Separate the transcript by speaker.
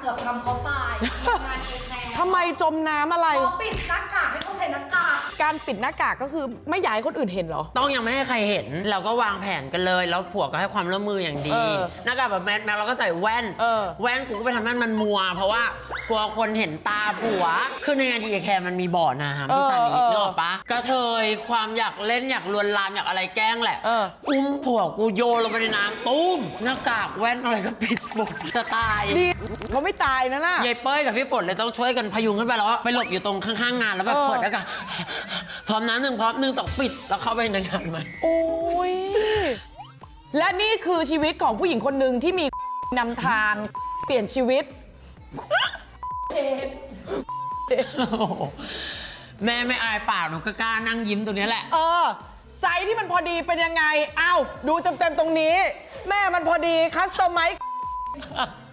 Speaker 1: กือบทำเขาตายงานเอแคร์
Speaker 2: ทำไมจมน้ำอะไร
Speaker 1: เขาปิดหน้ากากให้เขาใส่หน้ากาก
Speaker 2: การปิดหน้ากากก็คือไม่อยากให้คนอื่นเห็นเหรอ
Speaker 3: ต้องยังไม่ให้ใครเห็นเราก็วางแผนกันเลยแล้วผัวก็ให้ความร่วมมืออย่างดีหน้ากากแบบแมสเราก็ใส่แว่นแว่นกูก็ไปทำให้มันมัวเพราะว่ากลัวคนเห็นตาผัวคือในงานทีแคร์มันมีบ่อน้ำพี่ซานินึกออกปะกระเทยความอยากเล่นอยากลวนลามอยากอะไรแกล้งแหละอุ้มผัวกูโยนลงไปในน้ำตุ้มหน้ากากแว่นอะไรก็ปิดหมดจะตาย
Speaker 2: ดีเขาไม่ตายนะน่ะ
Speaker 3: ยายเป้ยกับพี่ฝนเลยต้องช่วยกันพยุงขึ้นไปแล้วไปหลบอยู่ตรงข้างๆงานแล้วแบบเปิดแล้วก็พร้อมน้ำหนึ่งพร้อมหนึ่งสองปิดแล้วเข้าไปในงานไหม
Speaker 2: โอ้ยและนี่คือชีวิตของผู้หญิงคนหนึ่งที่มีนำทางเปลี่ยนชีวิต
Speaker 3: แม่ไม่อายปากหนูก็กล้านั่งยิ้มตัวนี้แหละ
Speaker 2: ไซส์ที่มันพอดีเป็นยังไงอ้าวดูเต็มๆตรงนี้แม่มันพอดีคัสตอมไมซ์